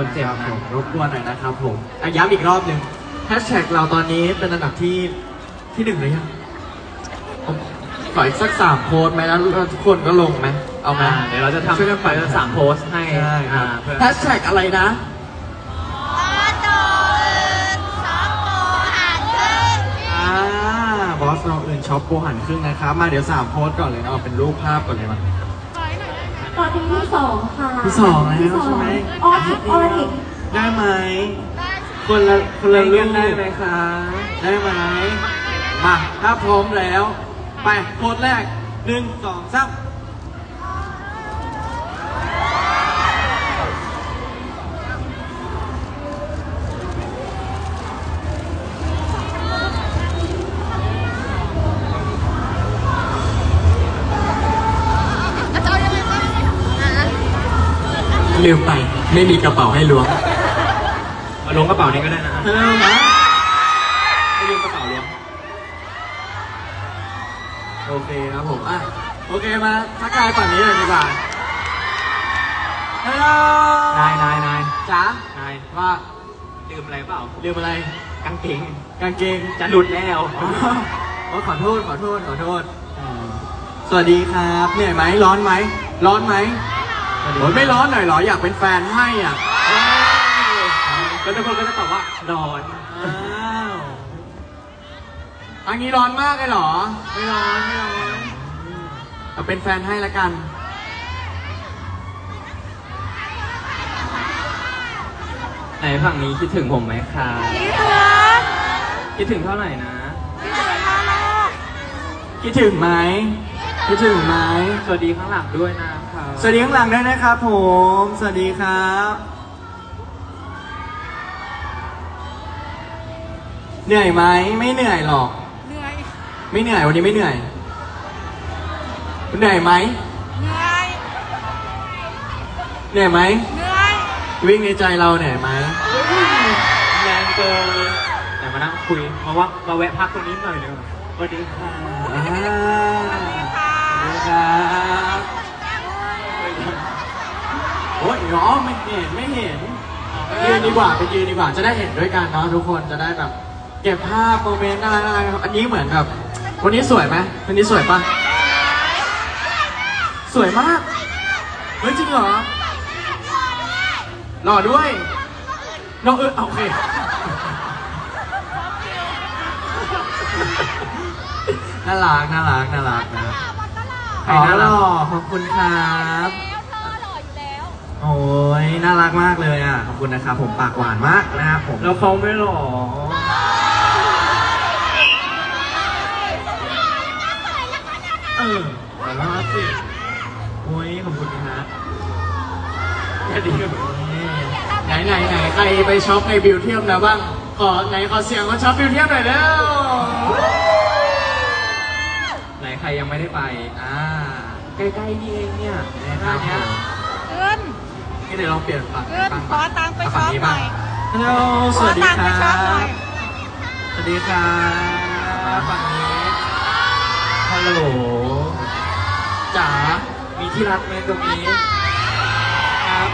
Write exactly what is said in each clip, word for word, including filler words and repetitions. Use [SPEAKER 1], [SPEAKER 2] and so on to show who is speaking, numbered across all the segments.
[SPEAKER 1] เจ็บนะ
[SPEAKER 2] รบกวนหน่อยนะครับผมย้ำอีกรอบหนึ่งแฮชแท็กเราตอนนี้เป็นอันดับที่ที่หนึ่งเลยยังขออีกสักสามโพสไหมแล้วทุกคนก็ลงไหมเอาไหม
[SPEAKER 1] เดี๋ยวเราจะทำช่วยกันไปสามโพสให้
[SPEAKER 2] แฮชแท็กอะไรนะบอสเราอื่นช็อปโปหันครึ่งนะครับมาเดี๋ยวสามโพสก่อนเลยนะเอาเป็นรูปภาพก่อนเลยมา
[SPEAKER 3] ตอนนี้ที่สองค่ะ
[SPEAKER 2] ที่สองแล้วใช่ไหม
[SPEAKER 3] ออทิกออทิก
[SPEAKER 2] ได้ไหมคนละคนละเรื่อง
[SPEAKER 1] ได้ไหมคะ
[SPEAKER 2] ได้ไหมมาถ้าพร้อมแล้วไปโพสแรกหนึ่งสองสามลืมไปไม่มีกระเป๋าให้ล้วง
[SPEAKER 1] มาล้วงกระเป๋านี้ก็ได้นะ
[SPEAKER 2] เออนะไม่ลืมกระเป๋าล้วงโอเคครับผมอ่ะโอเคมาทักทายฝั่งนี้เลยดีกว่าฮัลโหล
[SPEAKER 1] นายนายนาย
[SPEAKER 2] จ๋า
[SPEAKER 1] นาย
[SPEAKER 2] ว่า
[SPEAKER 1] ลืมอะไรเปล่า
[SPEAKER 2] ลืมอะไร
[SPEAKER 1] กางเกง
[SPEAKER 2] กางเกง
[SPEAKER 1] จะหลุดแล้ว
[SPEAKER 2] อ๋อขอโทษขอโทษขอโทษสวัสดีครับเหนื่อยไหมร้อนไหมร้อนไหมโอ้ยไม่ร้อนหน่อยเหรออยากเป็นแฟนให้อ่ะ
[SPEAKER 1] แล้วทุกคนก็จะตอบว่าร้อน
[SPEAKER 2] อ้าวอันนี้ร้อนมากเลยเหรอไม่ร้อนไม่ร้อนเอาเป็นแฟนให้ละกัน
[SPEAKER 1] ไหนฝั่งนี้คิดถึงผมไหมคะคิดถึงเท่าไหร่นะ
[SPEAKER 2] คิดถึงไหมคิดถึงไหม
[SPEAKER 1] สวัสดีข้างหลังด้วยนะครับ
[SPEAKER 2] สวัสดีข้างหลังด้วยนะครับผมสวัสดีครับเหนื่อยไหมไม่เหนื่อยหรอก
[SPEAKER 3] เหนื่อย
[SPEAKER 2] ไม่เหนื่อยวันนี้ไม่เหนื่อยเหนื่อยไหม
[SPEAKER 3] เหนื่อย
[SPEAKER 2] เหนื่อยไหม
[SPEAKER 3] เหนื่อย
[SPEAKER 2] วิ่งในใจเราเหนื่อยไหม
[SPEAKER 1] แรงเกินแต่มานั่งคุยมาว่ามาแวะพักตรงนี้หน่อยเดียวสวัสดีค่ะ
[SPEAKER 2] สวัสดีครับโอ้ยน้องไม่เห็นไม่เห็นยืนดีกว่าไปยืนดีกว่าจะได้เห็นด้วยกันเนาะทุกคนจะได้แบบเก็บภาพโมเมนต์อะไรอะไรอันนี้เหมือนแบบวันนี้สวยไหมวันนี้สวยปะสวยมากเฮ้ยจริงเหรอหล่อด้วยน้องเออโอเคน่ารักน่ารักน่ารักนะอ๋อหล่อขอบคุณครับโอ้ยน่ารักมากเลยอ่ะขอบคุณนะครับผมปากหวานมากนะครับผม
[SPEAKER 1] แล้วเขาไม่หล่อ
[SPEAKER 2] เออแต่ละสิโอ้ยขอบคุณนะแค่ดีไหนไหนไหนใครไปช็อปในบิวเทียมแล้วบ้างขอไหนขอเสียงว่าช็อปบิวเทียมหน่อยเร็ว
[SPEAKER 1] ไหนใครยังไม่ได้ไป
[SPEAKER 2] อ่า
[SPEAKER 1] ใกล้ๆนี่เองเนี่ยในห้างเนี้ย
[SPEAKER 3] เอิ้น
[SPEAKER 2] นี่เดี๋ยวเราเปลี่ยนฝั่ง
[SPEAKER 3] ฝั่งขอตังไปช็อปหน่อย
[SPEAKER 2] ฮัลโหลสวัสดีครับสวัสดีครับฝั่งนี้ฮัลโหลจ๋ามีที่รักไหมตรงนี้ครับ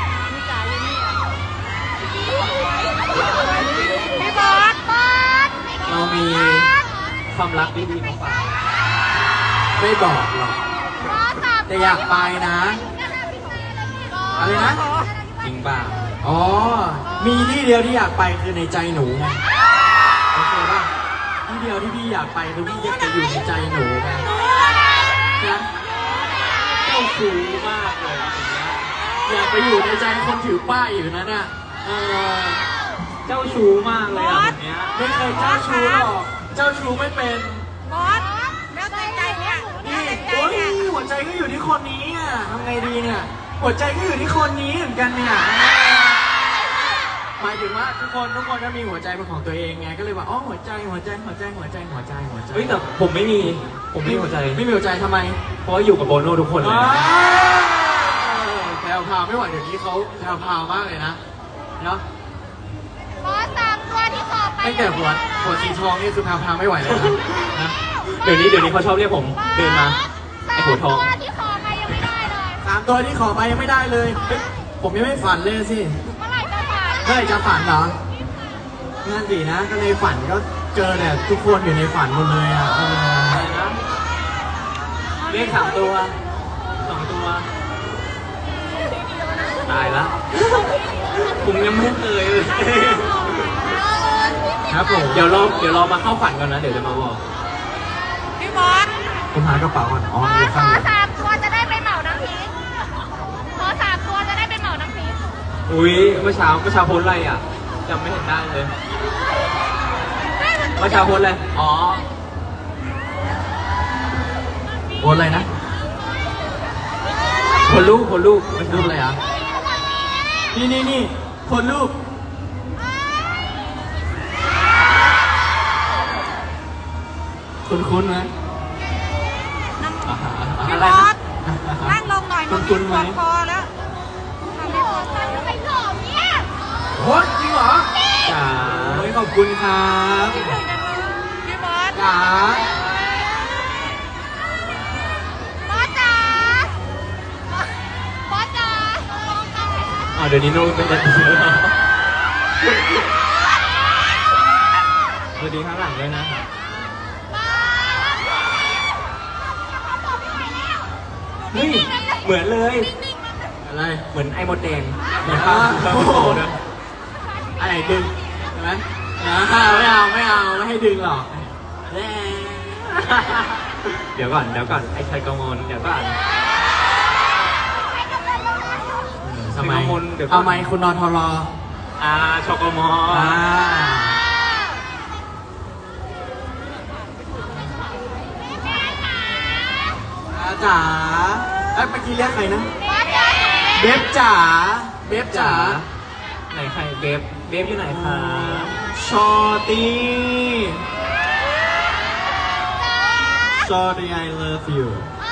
[SPEAKER 3] พี่บอสบอส
[SPEAKER 2] เรามี
[SPEAKER 1] ความรักดีๆมาฝาก
[SPEAKER 2] ไม่บอกหรอกแต่อยากไปนะอะไรนะ
[SPEAKER 1] จริงป่ะ
[SPEAKER 2] อ๋อมีที่เดียวที่อยากไปคือในใจหนูไงโอเคป่ะที่เดียวที่พี่อยากไปคือพี่อยากจะอยู่ในใจหนูไงนะ
[SPEAKER 1] เจ้าชู้มากเลย
[SPEAKER 2] อยากไปอยู่ในใจคนถือป้ายอยู่นั่นน่ะเออ
[SPEAKER 1] เจ้าชู้มากเลยอ่ะแบบนี้
[SPEAKER 2] ไม่เคยเจ้าชู้หรอกเจ้าชู้ไม่เป็น
[SPEAKER 3] บอสแล้วใจใจเนี่ย
[SPEAKER 2] นี่โอ้ยหัวใจก็อยู่ที่คนนี้อ่ะทำไงดีเนี่ยหัวใจก็อยู่ที่คนนี้เหมือนกันเนี่ยหมายถึงว่าทุกคนทุกคนก็มีหัวใจเป็นของตัวเองไงก็เลยว่าอ๋อหัวใจหัวใจหัวใจหัวใจหัวใจหัวใจ
[SPEAKER 1] เฮ้ยแต่ผมไม่มีผมไม่มีหัวใจ
[SPEAKER 2] ไม่มีหัวใจทำไม
[SPEAKER 1] เพราะอยู่กับโบโน่ทุกคนเลย
[SPEAKER 2] แพรวพาวไม่ไหวเดี๋ยวนี้เขาแพรวพาวมากเลยนะเนาะ
[SPEAKER 3] บอสตามตัวที่ขอไป
[SPEAKER 2] ตั้งแต่หัวหัวสีทองนี่คือแพรวพาวไม่ไหวเลยนะ
[SPEAKER 1] เดี๋ยวนี้เดี๋ยวนี้เขาชอบเรียกผมเดินมาไอ้หัวทอง
[SPEAKER 3] ที่ขอไปยังไม่ได้เลย
[SPEAKER 2] สามตัวที่ขอไปยังไม่ได้เลยผมยังไม่ฝันเลยสิ
[SPEAKER 3] เมื่อไหร่
[SPEAKER 2] มื่อไหร่จะฝันเหรอนั่นสินะก็ในฝันก็เจอแต่ทุกคนอยู่ในฝันหมดเลยอ่ะเออ
[SPEAKER 1] อะไรนะเลขสามตัวสองตัว ตายละผมยังไม่เคยเลย
[SPEAKER 2] ครับผม
[SPEAKER 1] เดี๋ยวรอเดี๋ยวรอมาเข้าฝันก่อนนะ เดี๋ยวจะมาบอก
[SPEAKER 3] พี่บอส
[SPEAKER 2] ผมหากระเป๋าก่อนอ๋อบ
[SPEAKER 3] อ
[SPEAKER 2] อยู่
[SPEAKER 3] สข
[SPEAKER 2] ข้าง
[SPEAKER 3] อบ
[SPEAKER 2] น
[SPEAKER 3] สามตัวจะได้ไปเหมาน้ำพริกขอสามตัวจะได้ไปเหมาน้ำพริก
[SPEAKER 1] อุ้ยเมื่อเช้าเมื่อเช้าโพสต์อะไรอ่ะจำไม่เห็นได้เลยเมื่อเช้าโพสต์อะไรอ๋อ
[SPEAKER 2] โอนอะไรนะ
[SPEAKER 1] คนลูกคนลูก
[SPEAKER 2] เป็นรูปอะไรอ่ะนี่นี่นี่คนรูปคุณคุ้นๆไหม
[SPEAKER 1] อ่าฮะ
[SPEAKER 3] พี่
[SPEAKER 1] อะไร
[SPEAKER 3] บอ
[SPEAKER 1] นะ
[SPEAKER 3] สนั่งลงหน่อย
[SPEAKER 2] คุ
[SPEAKER 3] มัน
[SPEAKER 2] ณคุ้นไหม
[SPEAKER 3] ปวดคอแล้วทำไม่พอใจแล้วไปหลอกเนี่ย
[SPEAKER 2] โอ้ยจริงเหรอ
[SPEAKER 1] จ๋า
[SPEAKER 2] โอ้ยขอบคุณครับ
[SPEAKER 3] คิดถึงจังเลยพี่บอส
[SPEAKER 2] จ๋า
[SPEAKER 3] บอสจ๋าบอสจ๋า
[SPEAKER 1] อ๋อเดี๋ยวนี้โน้ตเป็นจะดีแล้วสวัสดีข้างหลังด้วยนะเฮ้ยเหมือนเลย
[SPEAKER 2] อะไร
[SPEAKER 1] เหมือนไอ้มดแดง
[SPEAKER 2] เหมือนว่า
[SPEAKER 1] โอ้โหนะ
[SPEAKER 2] อะไรดึงใช่ไหมอ่าไม่เอาไม่เอาไม่ให้ดึงหรอกแน่
[SPEAKER 1] เดี๋ยวก่อนเดี๋ยวก่อนไอ้ชัยกมลเดี๋ยวก่อน
[SPEAKER 2] ทำไม
[SPEAKER 1] เป็นกังวลเดี๋ยวก่อน
[SPEAKER 2] เอาไหมคุณนอนทรอ
[SPEAKER 1] อ่าชกม
[SPEAKER 2] อ่าอาจ๋าเอ้ยเมื่อกี้เรียกใครนะ
[SPEAKER 3] บอสจ๋า
[SPEAKER 2] เบฟจ๋าเบฟจ๋า
[SPEAKER 1] ไหนใครเบฟเบฟอยู่ไหนคะ
[SPEAKER 2] ชอตี้ชอตี้ I love you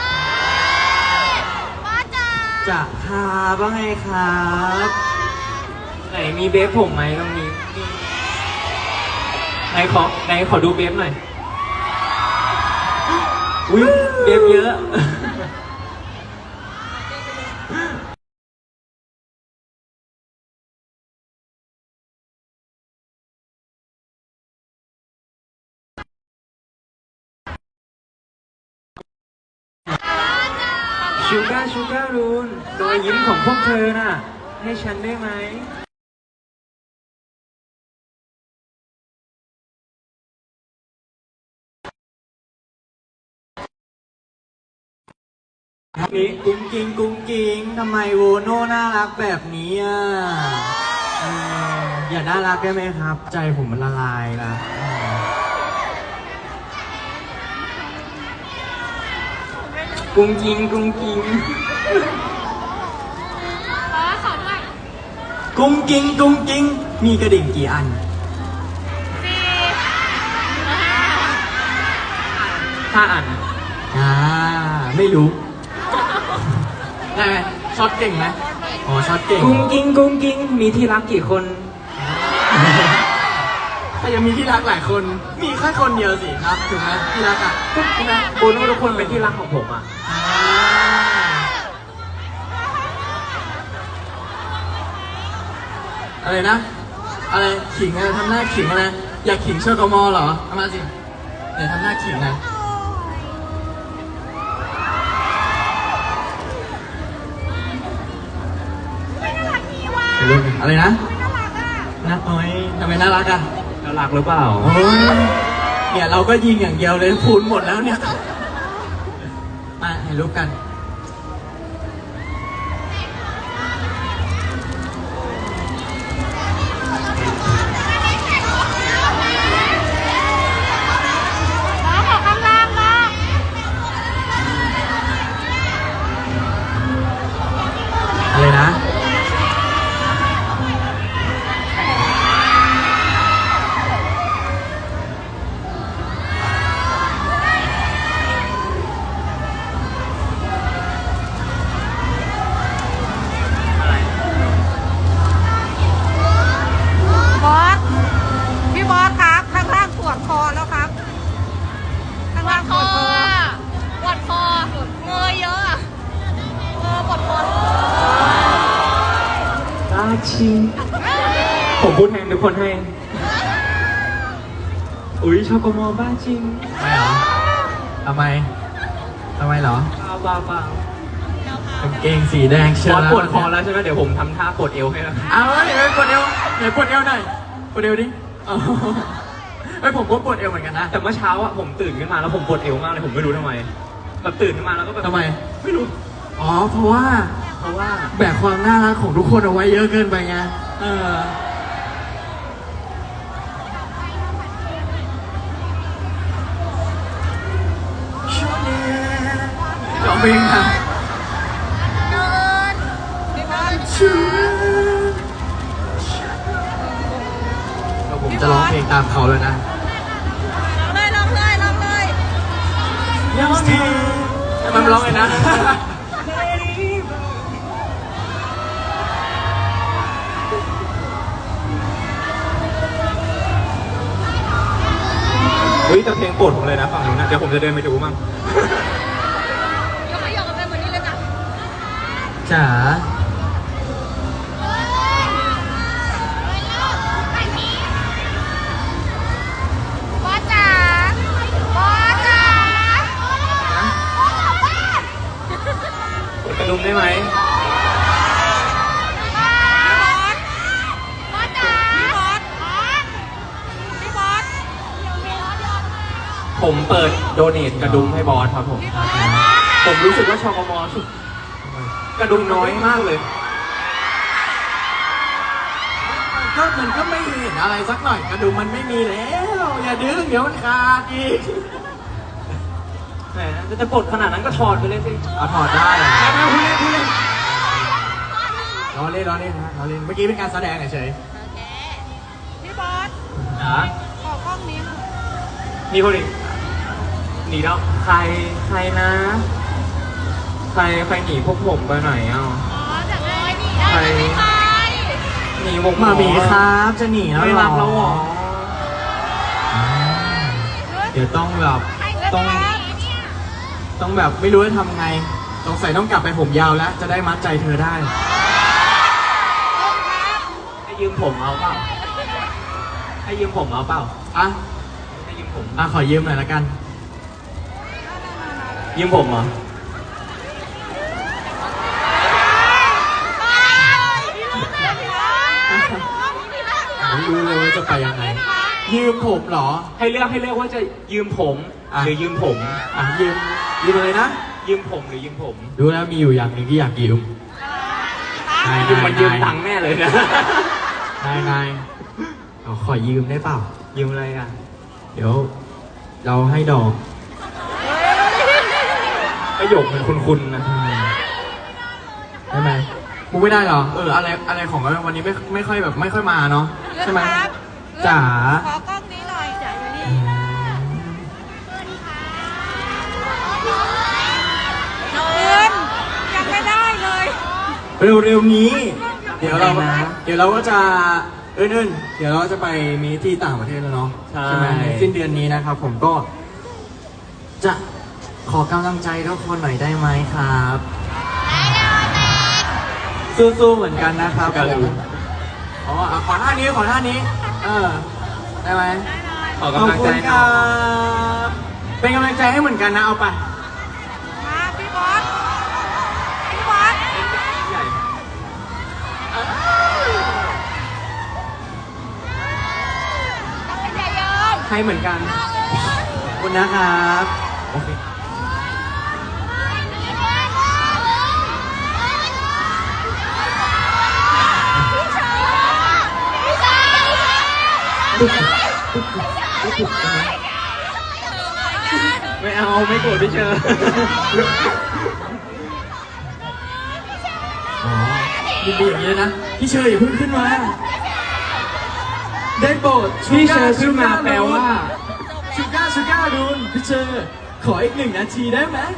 [SPEAKER 3] บอสจ๋า
[SPEAKER 2] จะคาบ้างไงครับ
[SPEAKER 1] ไหนมีเบฟผมไหมตรงนี้ไหนขอไหนขอดูเบฟหน่อยอุ้ยเบฟเยอะ ชูการ์ชูการ์รูนรอยยิ้มของพวกเธอน่ะ ให้ฉันได้ไหมนี่
[SPEAKER 2] กุ้งกิ้งกุ้งกิ้งทำไมโวโน่น่ารักแบบนี้อ่ะเอออย่าน่ารักได้ไหมครับ ใจผมมันละลายละเออ
[SPEAKER 1] กุ้งกิงกุ้งกิง
[SPEAKER 3] บอสสอนด้วย
[SPEAKER 2] กุ้งกิ้งกุ้งกิ้งมีกระดิ่งกี่อัน
[SPEAKER 3] สี่
[SPEAKER 1] ถ้าอ่าน
[SPEAKER 2] อ่า ไม่รู้ ได้ไหมช็อตเก่งไหมอ๋อช็อตเก่ง
[SPEAKER 1] กุ้งกิงกุ้งกิงมีที่รักกี่คน
[SPEAKER 2] ถ้ายังมีที่รักหลายคน มีแค่คนเดียวสิครับถูกไหมที่รักอ่ะใช่ไหม
[SPEAKER 1] โบนว่าทุกคนเป็นที่รักของผมอ่ะ
[SPEAKER 2] อ่าอะไรนะ อะไรขิงอะไรทำหน้าขิงอะไรอยากขิงเชอร์กมอเหรอเอามาสิเดี๋ยวทำหน้าขิงนะอะไรนะนะโอ้ยทำไมน่ารักอ่ะ
[SPEAKER 1] น่ารักหรือเปล่า
[SPEAKER 2] โอ้ยเนี่ยเราก็ยิงอย่างเดียวเลยพูนหมดแล้วเนี่ยมาถ่ายรูปกันอะไรนะ
[SPEAKER 3] บอส พี่บอสครับ ข้างล่างปวดคอแล้วครับ ข้างล่างปวดคอปวดคอเงยเยอะอะเออปวดคอ
[SPEAKER 1] ตาชิง
[SPEAKER 3] เอ้ย
[SPEAKER 1] ผมพูดแทนทุกคนให้ อุ้ยชอกมอบ้าจริง
[SPEAKER 2] ไม่เหรอทำไมทำไมเหรอ
[SPEAKER 1] เปล่าเปล่าเปล่าก
[SPEAKER 2] างเกงสีแดงเชี
[SPEAKER 1] บ
[SPEAKER 2] ยว
[SPEAKER 1] อส
[SPEAKER 2] นะ
[SPEAKER 1] ปวดคอแล้วใช่ไหมเดี๋ยวผมทำท่ากดเอวให้แล้ว
[SPEAKER 2] เอาเฮ้ยเฮ้ยปวดเอวไหนปวดเอวหน่อยปวดเอวดิอ๋อเฮ้ยผมก็ปวดเอวเหมือนกันนะ
[SPEAKER 1] แต่เมื่อเช้าอะผมตื่นขึ้นมาแล้วผมปวดเอวมากเลยผมไม่รู้ทำไมแบบตื่นขึ้นมาแล้วก็แบบ
[SPEAKER 2] ทำไม
[SPEAKER 1] ไม่รู้
[SPEAKER 2] อ๋อเพราะว่า
[SPEAKER 1] เพราะว่า
[SPEAKER 2] แบกความน่ารักของทุกคนเอาไว้เยอะเกินไปไงเออร้องเพลงค่ะ
[SPEAKER 3] พี่บอส
[SPEAKER 2] แล้วผมจะร้องเพลงตามเขาเลยนะ
[SPEAKER 3] ลองเลยลองเลยลองเลย
[SPEAKER 2] มันร้องไงนะ
[SPEAKER 1] เฮ้ยแต่เพลงโปรดผมเลยนะฝั่งนู้นนะเดี๋ยวผมจะเดินไปดูมั่ง
[SPEAKER 3] ยกไปยกกันไปเหมือนนี้เลยนะ
[SPEAKER 2] จ๋า
[SPEAKER 3] บอสจ๋าบอสจ๋า
[SPEAKER 1] กดกระดุมได้ไหม
[SPEAKER 3] บอสจ๋าพี่บอสพี่บอส
[SPEAKER 1] ผมเปิดโดเนทกระดุมให้บอสครับผม
[SPEAKER 3] พี่บอส
[SPEAKER 1] ผมรู้สึกว่าชอกมอสุดกระดุมน้อยมากเลย
[SPEAKER 2] ก็มันก็ไม่เห็นอะไรสักหน่อยกระดุมมันไม่มีแล้ว อย่าดึงเดี๋ยวมันขาดอีก
[SPEAKER 1] แหมจะปลดขนาดนั้นก็ถอดไปเลยสิ
[SPEAKER 2] เอาถอดได้เหรอ
[SPEAKER 1] ไม่ไม่พูดเล่นพูดเล่น
[SPEAKER 2] ล้อเล่นล้อเล่นนะล้อเล่นเมื่อกี้เป็นการแสดงเฉย
[SPEAKER 3] พี่บอส
[SPEAKER 1] นะ
[SPEAKER 3] ขอกล้องนี้หน่อย
[SPEAKER 1] มีคนอีกหนีแล้วใครใครนะ ใครใครหนีพวกผมไปไหนอ่ะ
[SPEAKER 3] อ๋อจากเลยนี่ได้ไม่ใคร
[SPEAKER 1] หนีผม
[SPEAKER 2] ๆมามีครับจะหนีแล้ว
[SPEAKER 1] ไม่
[SPEAKER 2] เหรอ
[SPEAKER 1] รักแล้วเหรอ
[SPEAKER 2] อ่าเดี๋ยวต้องแบบ
[SPEAKER 3] ต้
[SPEAKER 2] ต้
[SPEAKER 3] อ
[SPEAKER 2] อง งต้องแบบไม่รู้จะทำไงสงสัยต้องกลับไปผมยาวแล้ว จะได้มัดใจเธอได้
[SPEAKER 1] ให้ยืมผมเอาเปล่าให้ยืมผมเอาเปล่า
[SPEAKER 2] อ่ะ
[SPEAKER 1] ให้ยืมผม
[SPEAKER 2] อ่ะขอยืมหน่อยละกัน
[SPEAKER 1] ยืมผมเหรอ
[SPEAKER 2] ไม่รู้เลยว่าจะไปยังไง ยืมผมเหรอ
[SPEAKER 1] ให้เลือกให้เลือกว่าจะยืมผม
[SPEAKER 2] อ่ะ
[SPEAKER 1] หรือยืมผม
[SPEAKER 2] อ่ะยืมยืมอะไรนะ
[SPEAKER 1] ยืมผมหรือยืมผม
[SPEAKER 2] ดูแล้วมีอยู่อย่างหนึ่งที่อยากยืม นาย
[SPEAKER 1] ยืมมันยืม
[SPEAKER 2] นาย
[SPEAKER 1] ตังค์แน่เลยนะ
[SPEAKER 2] นายนายเอาขอยืมได้เปล่า
[SPEAKER 1] ยืมอะไรอ่ะ
[SPEAKER 2] เดี๋ยว เราให้ดอก
[SPEAKER 1] ประโยคมันคุ้นๆนะ
[SPEAKER 2] อืมได้ไหมพูดไม่ได้เหรอ เอออะไรอะไรของวันนี้ไม่ไม่ค่อยแบบไม่ค่อยมาเนาะใช่ไหมจ๋า
[SPEAKER 3] ขอกล้องนี้หน่อยจ๋าอยู่นี่
[SPEAKER 2] อืม
[SPEAKER 3] เงินยังไม่ได้เลย
[SPEAKER 2] เร็วๆนี้ เดี๋ยวเราเดี๋ยวเราก็จะเอิ้นๆเดี๋ยวเราจะไปมีที่ต่างประเทศแล้วเนาะ
[SPEAKER 1] ใช่
[SPEAKER 2] ไหมในสิ้นเดือนนี้นะครับ ผมก็ จะขอกำลังใจทุกคนหน่อยได้ไหมครับสู้ๆเหมือนกันนะครับผมอ๋ออ่ะขอท่านี้ขอท่านี้ เออ ได้ไหม
[SPEAKER 1] ขอกำลังใจ
[SPEAKER 2] ขอบคุณ
[SPEAKER 1] ห
[SPEAKER 2] ค
[SPEAKER 1] น่
[SPEAKER 2] รั
[SPEAKER 1] อย
[SPEAKER 2] บเป็นกำลังใจให้เหมือนกันนะเอาไป
[SPEAKER 3] มาพี่บอสพี่บอส
[SPEAKER 1] ใหญ่
[SPEAKER 3] ต้องเป็นใหญ่เยิน
[SPEAKER 2] ให้เหมือนกันขอบคุณนะครับโอเค
[SPEAKER 1] ไม่เอาไม่โกรธพี่เชอร์
[SPEAKER 2] อ๋อยินดีอย่างนี้นะพี่เชยอย่าเพิ่งขึ้นมา ได้โปรด
[SPEAKER 1] พี่เชอร์ขึ้นมาแปลว่า
[SPEAKER 2] ชูก้าชูก้าดูนพี่เชยขออีกหนึ่งนาทีได้ไหม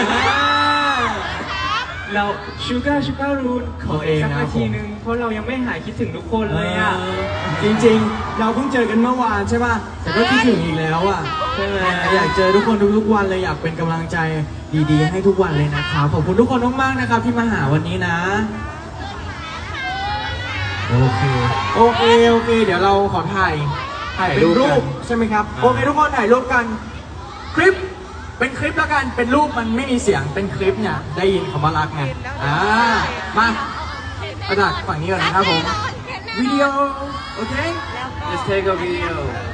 [SPEAKER 1] เราชูการ์ชูการ์รูน
[SPEAKER 2] ขอเอง
[SPEAKER 1] สัก
[SPEAKER 2] นะ
[SPEAKER 1] นาที
[SPEAKER 2] ผม
[SPEAKER 1] นึงเพราะเรายังไม่หายคิดถึงทุกคนเลยอ่ะ
[SPEAKER 2] เออจริงๆ เราเพิ่งเจอกันเมื่อวานใช่ป่ะแต่ก็คิดถึงอีกแล้วอ่ะ
[SPEAKER 1] ใช่ไหม
[SPEAKER 2] อยากเจอทุกคนทุกๆวันเลยอยากเป็นกำลังใจดีๆ ให้ทุกวันเลยนะครับขอบคุณทุกคนมากๆนะครับที่มาหาวันนี้นะโอเค โอเค โอเค เดี๋ยวเราขอถ่าย
[SPEAKER 1] ถ่าย
[SPEAKER 2] เป็น
[SPEAKER 1] รูป
[SPEAKER 2] รู
[SPEAKER 1] กัน
[SPEAKER 2] ปใช่ไหมครับ
[SPEAKER 1] อ่า
[SPEAKER 2] โอเคทุกคนถ่ายรูปกัน คลิป เป็นคลิปแล้วกัน เป็นรูปมันไม่มีเสียง เป็นคลิปเนี่ย ได้ยินคำว่ารักไง อ่า มาประดักฝั่งนี้ก่อนนะครับผม วิดีโอ โอเค
[SPEAKER 3] แล้วก็
[SPEAKER 1] Let's take a video